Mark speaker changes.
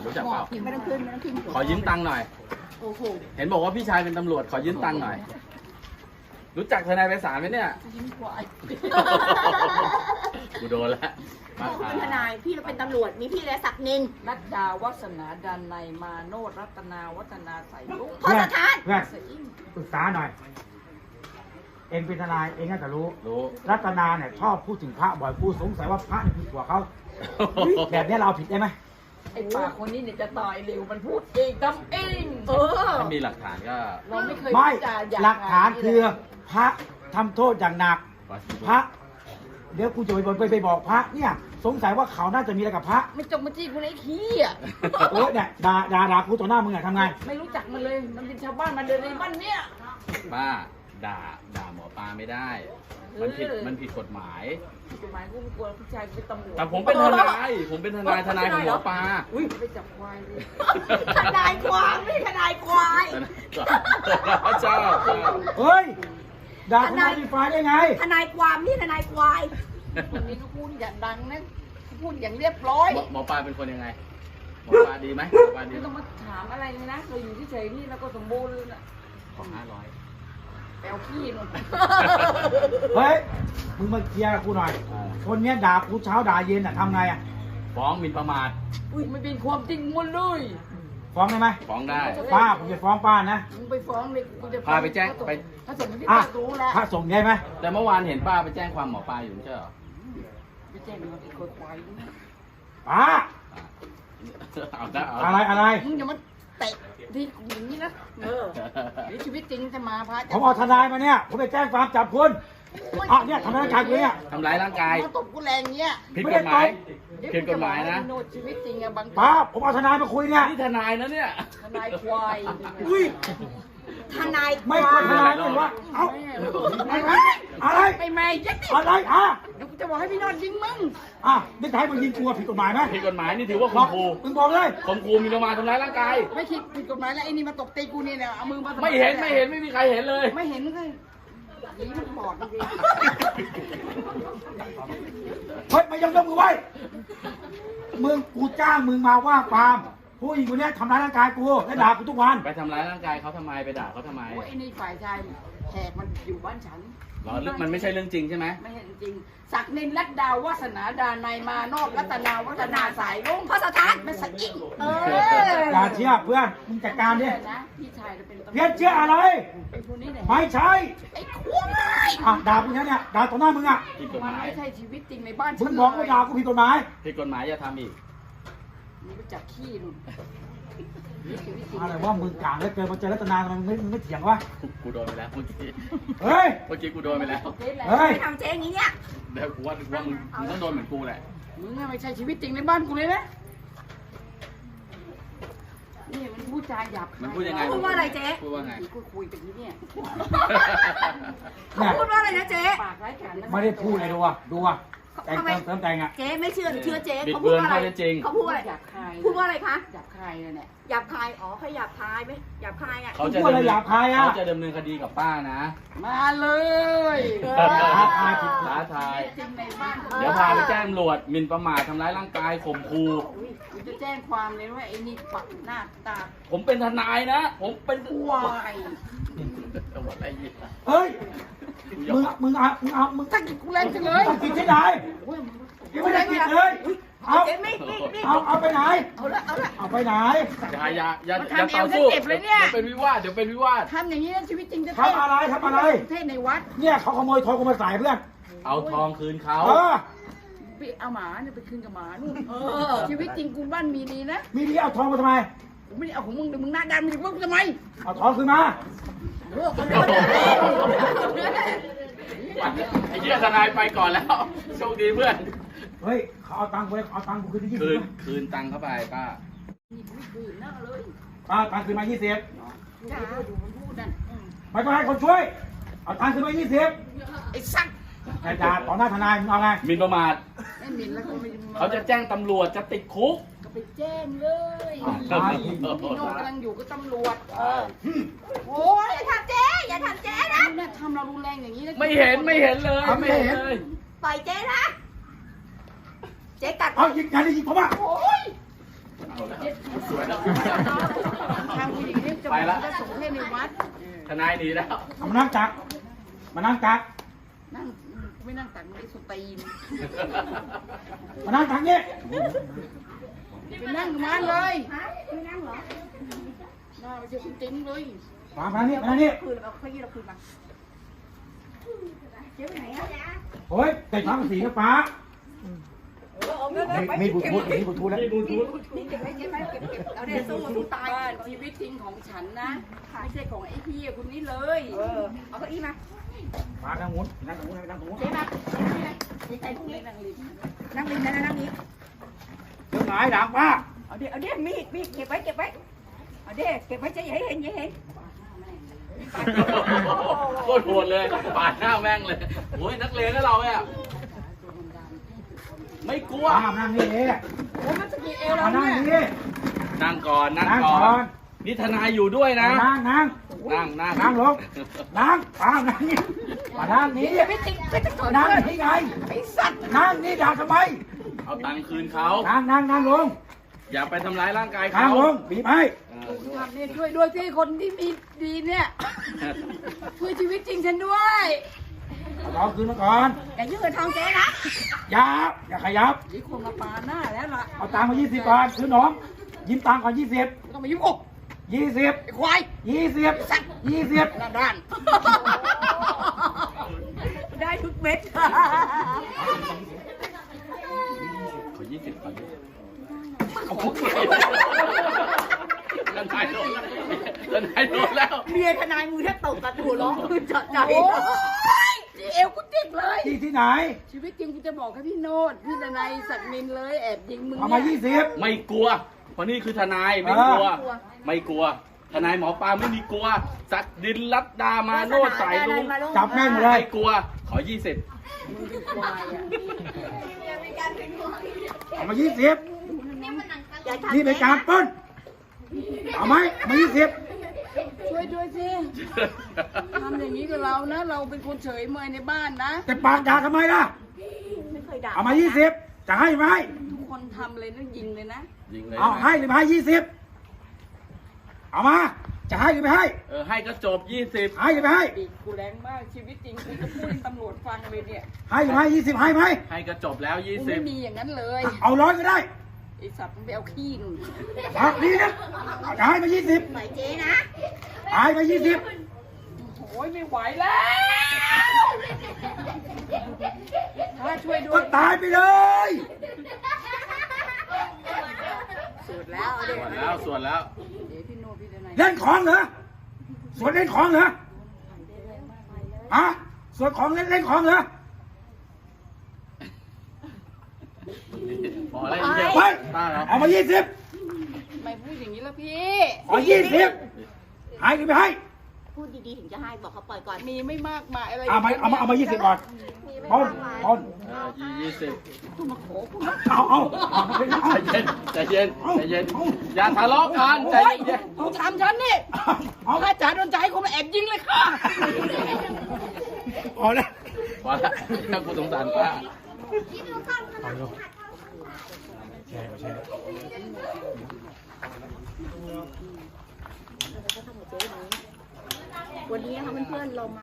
Speaker 1: รู้จักเปล่า
Speaker 2: ไม่ต้องขึ้นไม่ต้องขึ้น
Speaker 1: ขอยืมตังค์หน่อย
Speaker 2: โอ้โห
Speaker 1: เห็นบอกว่าพี่ชายเป็นตำรวจขอยืมตังค์หน่อย รู้จักทนายไพศาลไหมเนี่ย
Speaker 2: ยิ้มควาย
Speaker 1: กูโดนแล้วมา
Speaker 2: เป็นทนายพี่เราเป็นตำรวจมีพี่และศักดิ์นิน
Speaker 3: นัดดาวัฒนาดันในยมาโนดรัตนาวัฒนาใสลุง
Speaker 2: พอสถาน
Speaker 4: เพื่อน
Speaker 3: สอิ่ม
Speaker 4: ปรึกษาหน่อย เองเป็นทนายเองน่าจะรู้
Speaker 1: รู้
Speaker 4: รัตนาเนี่ยชอบพูดถึงพระบ่อยกูสงสัยว่าพระเนี่ยผิดกว่าเขาแบบนี้เราเอาผิดได้ไหม
Speaker 3: ไอ้ปากคนนี้เนี่ยจะตายเร็วมันพูดเองทำเอง
Speaker 1: ถ้ามีหลักฐานก็
Speaker 3: เราไม่เคย
Speaker 4: ไม่
Speaker 3: พูดจาหยาบ
Speaker 4: หลักฐาน
Speaker 3: คย
Speaker 4: คือพระทำโทษอย่างหนัก พระ เดี๋ยวกูจะไปบอกพระเนี่ย สงสัยว่าเขาน่าจะมีอะไรกับพระ
Speaker 3: ไม่จงมาจี้กูไอ้ขี้อ่ะ
Speaker 4: เออเนี่ยด่ากูต่อหน้ามึงอะทำไง
Speaker 3: ไม่รู้จักมันเลยมันเป็นชาวบ้านมาเดินในบ้านเนี่ย
Speaker 1: ป้าด่าหมอปลาไม่ได้ มันผิดกฎหมาย
Speaker 3: กฎหมายกูไม่กลัวผู้ชายกูเป็นตำรวจ
Speaker 1: แต่ผมเป็นทนายทนายของหมอปลา
Speaker 3: อุ้ยไปจับควายเลย
Speaker 2: ทนายความไม่ทนายควาย
Speaker 1: เจ้า
Speaker 4: เฮ้ย ด่าทนายดีฟ้าได้ไง
Speaker 2: ทนายความนี่ทนายควาย
Speaker 3: คนนี้ก็พูดอย่างดังนะพูดอย่างเรียบร้อย
Speaker 1: หมอปลาเป็นคนยังไง หมอปลาดีไหมหมอปลาดี
Speaker 3: ไม่
Speaker 1: ไหม
Speaker 3: ต้องมาถามอะไรเลยนะเราอยู่เฉยๆนี่แล้วก็สมบูรณ์เลยนะ
Speaker 1: ขอ500
Speaker 3: แปลวขี้นู่น
Speaker 4: เฮ้ย มึงมาเคลียร์กับกูหน่อย คนเนี้ยด่ากูเช้าด่าเย็นอะทำไงอะ
Speaker 1: ฟ้องหมิ่นประมาท
Speaker 3: อุ้ยไม่เป็นความจริงหมดเลย
Speaker 4: ฟ้องได้ไหม
Speaker 1: ฟ้องได้
Speaker 4: ป้าผมจะฟ้องป้านะ
Speaker 3: มึงไปฟ้องเลยกูจะ
Speaker 1: พาไปแจ้งไป
Speaker 3: ถ้าส่งที่
Speaker 4: อ่ะ
Speaker 3: ป้ารู้แล้ว
Speaker 4: พระส่งได้ไหม
Speaker 1: แต่เมื่อวานเห็นป้าไปแจ้งความหมอปลาอยู่ไม่ใช่เหรอ
Speaker 3: ไปแจ้งมันอีกคนควาย
Speaker 4: ป้า
Speaker 1: เอาได้เอา
Speaker 4: อะไร
Speaker 3: มึงอย่ามาเตะที่อย่างนี้นะหรือชีวิตจริงจะมาพา
Speaker 4: ผมเอาทนายมาเนี่ย ผมไปแจ้งความจับคุณอ่ะเนี่ยทำร้ายร่างกายกูเนี่ย
Speaker 1: ทำร้ายร่างกาย
Speaker 3: มาตบกูแรงเงี้ย
Speaker 1: ผิดกฎหมายผิดกฎหมายนะ
Speaker 3: โนดชีวิตจริงอะบาง
Speaker 4: ป้า ผมเอาทนายมาคุยเนี่ย
Speaker 1: นี่ทนายนะเนี่ย
Speaker 3: ทนายควาย
Speaker 4: อุ้ย
Speaker 2: ทนายค
Speaker 4: ไม่
Speaker 2: วา
Speaker 4: ใช่
Speaker 2: ย
Speaker 4: ทนายเลยวะเอ้าอะไร
Speaker 3: ไปไม่ยัดติ
Speaker 4: อะไรอ่ะ
Speaker 3: เดี๋ยวกูจะบอกให้พี่โนดยิงมึง
Speaker 4: อ่ะนี่จะให้มึงยิงกูผิดกฎหมายไหม
Speaker 1: ผิดกฎหมายนี่ถือว่า
Speaker 4: บ
Speaker 1: ข่
Speaker 4: อ
Speaker 1: ม
Speaker 4: ก
Speaker 1: ขู่
Speaker 4: มึงบอกเลย
Speaker 1: ข่มขู่หมิ่นประมาททำร้ายร่างกาย
Speaker 3: ไม่คิดผิดกฎหมายแล้วไอ้นี่มาตบตีกูเนี่ยเอามือมา
Speaker 1: ไม่เห็นไม่มีใครเห็นเลย
Speaker 3: ไม่เห็นเลยนี่มันบอดจริง
Speaker 4: เฮ้ยไม่ยกมือไว้มึงกูจ้างมึงมาว่าความผู้หญิงคนเนี้ยทำร้ายร่างกายกูและด่ากูทุกวัน
Speaker 1: ไปทำร้ายร่างกายเขาทำไมไปด่าเขาทำไม
Speaker 3: โอ้ยไอ้นี่ฝ่ายชายแขกมันอยู่บ้านฉัน
Speaker 1: เหรอมันไม่ใช่เรื่องจริงใช่ไหม
Speaker 3: ไม่เห็นจริงศักดิ์นินรัตดาวาสนาดานายมานอกรัตนาวัฒนาสายลุง
Speaker 2: พอสถาน
Speaker 3: ไม่สักอิ่ง
Speaker 4: อย่าเชื่อเพื่อนมึงจัดการดิ
Speaker 3: นะพี่ชายเราเป็นตำรวจ
Speaker 4: เพี้ยนเชื่ออะไร
Speaker 3: เป็นคนนี้ไหน
Speaker 4: ไม่ใช่
Speaker 3: ไอ้ควาย
Speaker 4: อ่ะด่ากูเนี่ยด่าต่อหน้ามึงอ่ะ
Speaker 1: ผิดกฎ
Speaker 3: มั
Speaker 1: ห
Speaker 3: น
Speaker 1: มาย
Speaker 3: ไม่ใช่ชีวิตจริงในบ้าน
Speaker 4: มึงบอกว่าด่ากูผิดกฎหมาย
Speaker 1: ผิดกฎหมายอย่าทำอีก
Speaker 3: มึงไปจับขี้นู่นนี่ชีวิตจริง
Speaker 4: อะไรว่ามึงกลางแล้วเกินมาเจอรัตนาทำไมมึงไม่เถียงวะ
Speaker 1: กูโดนไปแล้วเมื่อกี้
Speaker 4: เฮ้ย
Speaker 1: เมื่อกี้กูโดนไปแล้ว
Speaker 3: ตบเจ๊แล้ว
Speaker 4: เฮ้ย
Speaker 2: ไม่ทำเจ๊อย่างนี้เนี่ย
Speaker 1: เดี๋ยวกูว่ามึงต้องโดนเหมือนกูแหละ
Speaker 3: มึงอะไม่ใช่ชีวิตจริงในบ้านกูเลยนะนี่มันพูดจาหยาบคาย
Speaker 1: มันพูดยังไง
Speaker 2: พูดว่าอะไรเจ๊
Speaker 1: พูดว่าไง
Speaker 3: กูคุยกันที่เนี่ย
Speaker 2: เขาพูดว่าอะไรนะเจ๊
Speaker 3: ปากไร้การนะ
Speaker 4: ไม่ได้พูดเลยดูอ่ะแต่งเติมแต่งอ่ะ
Speaker 2: เจ๊ไม่เชื่อเชื่อเจ๊
Speaker 1: บิด
Speaker 2: เขา
Speaker 1: เบื
Speaker 2: พูด
Speaker 1: อน
Speaker 2: ว่าอะไร
Speaker 1: ข้อเท็จจริง
Speaker 2: เขาพูดอะไร
Speaker 3: หยาบคาย
Speaker 2: พูดว่าอะไรคะ
Speaker 3: หยาบคายเลยเนี่ย
Speaker 2: หยาบคายอ๋อเขาหยาบคายไหมหยาบคายอ่ะ
Speaker 1: เขาจะ
Speaker 4: พูดอะไรหยาบคายอะ
Speaker 1: เขาจะดำเนินคดีกับป้านะ
Speaker 3: มาเลย
Speaker 4: ท้าทายผิด
Speaker 1: ท้าทาย
Speaker 3: จริงในบ้าน
Speaker 1: เดี๋ยวพาไปแจ้งตำรวจหมิ่นประมาททำร้ายร่างกายข่มขู่
Speaker 3: กูจะแจ้งความเลยว่าไอ้นี่ปักหน้าตา
Speaker 1: ผมเป็นทนายนะ ผมเป็น
Speaker 3: ควาย
Speaker 1: ตำรวจอะไรอีก
Speaker 4: เฮ้ย มึง
Speaker 3: ตั้งกูแรงจังเลย
Speaker 4: ต้องกินที่ไหน
Speaker 3: โอ้ยมึง
Speaker 4: ยังไม่ได้กินเลยเอา
Speaker 2: เจ๊ไม่
Speaker 4: เอาไปไหน
Speaker 2: เอาละเอาละ
Speaker 4: เอาไปไหน
Speaker 1: อย่าต่อสู้เดี๋ยวเป็นวิวาท
Speaker 3: ทำอย่างนี้นะชีวิตจริงจะ
Speaker 4: ทำอะไร
Speaker 3: เทศในวัด
Speaker 4: เนี่ยเขาขโมยทองกูมาใส่เพื่อน
Speaker 1: เอาทองคืนเขา
Speaker 4: เออ
Speaker 3: ไปเอาหมาเนี่ยไปคืนกับหมานู่นชีวิตจริงกูบ้านมีดีนะ
Speaker 4: มีดีเอาทองมาทำไม
Speaker 3: กูไม่ได้เอาของมึงเดี๋ยวมึงหน้าด้านมึงจะว่ากูทำไม
Speaker 4: เอาทองคืนมา
Speaker 1: ไอ้เหี้ยทนายไปก่อนแล้วโชคดีเพื่อน
Speaker 4: เฮ้ยเขาเอาตังค์กูเลยเอาตังค์กูคืนที่20
Speaker 1: คืนตังค์เข้าไปป้า
Speaker 3: นี่กูไม่คืนนะเลย
Speaker 4: ป้าตังค์คืนมา20
Speaker 3: ดูมันพูดนั่น
Speaker 4: ไม่ต้องให้คนช่วย เอาตังค์คืนมา
Speaker 3: ไอ้สัก
Speaker 4: 20แต่ด่าต่อหน้าทนายมึงเอาไง
Speaker 1: หมิ่นประมาท
Speaker 3: ไม่หมิ่นแล้วก็ไม่
Speaker 1: เขาจะแจ้งตำรวจจะติดคุก
Speaker 3: ก็ไปแจ้งเลยพี่โนกำลังอยู่กับตำรวจโอ้ย
Speaker 2: อย่าทำเจ๊อย่าทำเจ๊นะ
Speaker 3: เนี่ยทำเรารุนแรงอย่างนี้
Speaker 1: ไม่เห็นเลยไม่เห็นเลย
Speaker 2: ปล่อยเจ๊นะเจ๊กัด
Speaker 4: เอายิงกันยิงผมอ่ะ
Speaker 3: โอ้ย
Speaker 1: เอาแล้วสวยแล้ว
Speaker 3: ทางผู้หญิงนี่จะ
Speaker 1: ไปละ
Speaker 3: จะส่งให้ในวัด
Speaker 1: ทนายหนีแล้ว
Speaker 4: มานั่งตักมานั่งตัก
Speaker 3: นั่งไม่นั่งตักไม่สตีน
Speaker 4: มานั่งตักนี่
Speaker 3: ไปนั่งมาเลย
Speaker 2: ไม่นั่งเหรอ
Speaker 3: น่าไปเจอจริงๆเลย
Speaker 4: มานี่มานี่
Speaker 2: คืนเอาเก้าอี้เราคืนมาเจ๊ไปไหนอะ
Speaker 4: โอ้ยใส่ผ้าสีนะป้ามีบุตรพูดมีบุตรพูดแล้ว
Speaker 1: นี่ดูดู
Speaker 2: นี่เก็บไว้เก็บไว้เก็บเอาเดี๋ยวสู้สู้ตาย
Speaker 3: บ้านชีวิตจริงของฉันนะไม่ใช่ของไอ้พี่คนนี้เลย
Speaker 2: เอาเก้าอี้มา
Speaker 4: ป้านั่งมุ้นนั่งตรงนู้นนั่งตรงนู้น
Speaker 2: เจ๊มาเจ๊ใส่พวกนี้
Speaker 3: นั่งริม
Speaker 2: นั่งริมนะนั่งนี้
Speaker 4: เรื่องไหนด่างป้า
Speaker 2: เอาเดี๋ยวมีดเก็บไว้เอาเดี๋ยวเก็บไว้เจ๊อย่าให้เห็นอย่าให้เห็น
Speaker 1: โคตรโหดเลยปาดหน้าแม่งเลยโอ้ยนักเลงก็เราเนี่ยไม่กลัว
Speaker 4: ป้านั่งนี่เอง
Speaker 3: โอ้มันจะมีเอวเรา
Speaker 4: มานั่ง
Speaker 3: เนี่ย
Speaker 4: นี่
Speaker 1: นั่งก่อนนั่ง
Speaker 4: นั่ง
Speaker 1: ก่
Speaker 4: ก่
Speaker 1: อ
Speaker 4: อน น
Speaker 1: นี่ทนายอยู่ด้วยนะ
Speaker 4: นั่งนั่ง
Speaker 1: นั่งนั่ง
Speaker 4: นั่งลงนั่งป้านั่งนี่มานั่งนี่
Speaker 2: ไม่ติดไม่ติดก่อน
Speaker 4: นั่งนี่ไง
Speaker 2: ไอ้สัตว์
Speaker 4: นั่งนี่ด่าทำไม
Speaker 1: เอาตังค์คืนเขา
Speaker 4: นั่งลง
Speaker 1: อย่าไปทำร้ายร่างกาย
Speaker 4: นั่
Speaker 1: เขา
Speaker 4: งลงบีบให้
Speaker 3: ทำเนี่ยช่วยด้วยที่คนที่มีดีเนี่ยช่วยชีวิตจริงฉันด้วย
Speaker 4: เอาทองคืนมาก่อน
Speaker 2: อย่ายุ่งกับทองเจ๊นะ
Speaker 4: อย่าขยับ
Speaker 3: นี่คนมาปาหน้าแล้วล่ะ
Speaker 4: เอาตังค์มา20 บาทคือน้องยิ้มตังค์ก่อน20
Speaker 3: ไม่ต้องมายุ่งอก
Speaker 4: 20
Speaker 3: ไอ้ควาย
Speaker 4: 20
Speaker 3: หน้าด้าน
Speaker 2: ได้ทุกเม็ด
Speaker 1: ขอ20ก่อนโอ้โหทนายโดนแล้วทนายโดนแล้ว
Speaker 2: เมียทนายมือแทบตกกระตูร้องคือเจาะใจ
Speaker 3: โอ้ยเอวกูติดเลย
Speaker 4: ที่ไหน
Speaker 3: ชีวิตจริงกูจะบอกให้พี่โนดพี่ดนายสัตว์มินเลยแอบยิงมึง
Speaker 4: เอามา
Speaker 3: เนี่ย
Speaker 4: 20
Speaker 1: ไม่กลัวเพราะนี่คือทนายไม่กลัว ไม่กลัว ทนายหมอปลาไม่มีกลัว สักดินลัดดามาโนดสายลุง
Speaker 4: จับแม่งเลย
Speaker 1: ไม่กลัว ขอ 20
Speaker 3: มึงเป็นควายอ่ะ
Speaker 4: เอามา20
Speaker 2: อย่าทำ
Speaker 4: นี่เป็นการปล้นเอาไหมเอามา20
Speaker 3: ช่วยด้วยสิทำอย่างนี้กับเรานะ เราเป็นคนเฉยเมยในบ้านนะ
Speaker 4: แต่ปากด่าทำไมล่ะ
Speaker 2: ไม่เคยด่า
Speaker 4: เอามา20จะให้ไหม
Speaker 3: ทุกคนทำเลยนะยิงเลยนะ
Speaker 1: ยิงเลย
Speaker 4: เอาให้หรือไม่ให้20เอามาจะให้หรือไม่ให้
Speaker 1: ให้ก็จบ 20
Speaker 4: ให้หรือไม่ให้
Speaker 3: ปีกกูแรงมากชีวิตจริงกูจะพูดให้ตำรวจฟังเลยเนี่ย
Speaker 4: ให้หรือไม่ให้20ให้ไหม
Speaker 1: ให้ก็จบแล้ว
Speaker 3: กูไม่มีอย่างนั้นเลย
Speaker 4: เอา100ก็ได้
Speaker 3: ไอสัตว์มึงไปเอาขี้หนู
Speaker 4: ครับนี่นะจะให้มา20
Speaker 2: ปล่อยเจ๊นะ
Speaker 4: ให้มา20
Speaker 3: โอ้ยไม่ไหวแล้วถ้าช่วยด้ว
Speaker 4: ก็
Speaker 3: ย
Speaker 4: ตายไปเลย
Speaker 2: สุดแล้วเอา
Speaker 1: 20
Speaker 2: เด็ก
Speaker 1: ส่วนแล้วส่วนแล้ว
Speaker 3: เดี๋ยวพี่โนพี่ดนาย
Speaker 4: เล่นของเหรอส่วนเล่นของเหรอฮะส่วนของเล่นของเหรอ
Speaker 1: พอแล้วอีกเดียว
Speaker 4: ไป
Speaker 1: ป้าแล้ว
Speaker 4: เอามา20
Speaker 3: ทำไมพูดอย่างนี้ล่ะพี่
Speaker 4: ขอ20ให้หรือไม่ให้
Speaker 2: พูดดีๆถึงจะให้บอกเขาปล่อยก่อน
Speaker 3: มีไม่มากมายอะไร
Speaker 4: เอามา20ก่อนต้น
Speaker 3: มาขอกู
Speaker 4: เอา
Speaker 1: ใจเย็นใจเย็นใจเย็น อย่าทะเลาะกันใจ
Speaker 3: โอ้ย
Speaker 1: เย็น
Speaker 3: มึงทำฉันนี่
Speaker 4: เอา
Speaker 3: ถ้าจ๋าโดนใจให้คนมาแอบยิงเลยค่ะ
Speaker 4: เอาเลย
Speaker 1: พอแล้วถ้ากูสงสารป้า
Speaker 2: วันนี้นะคะเพื่อนๆเรามา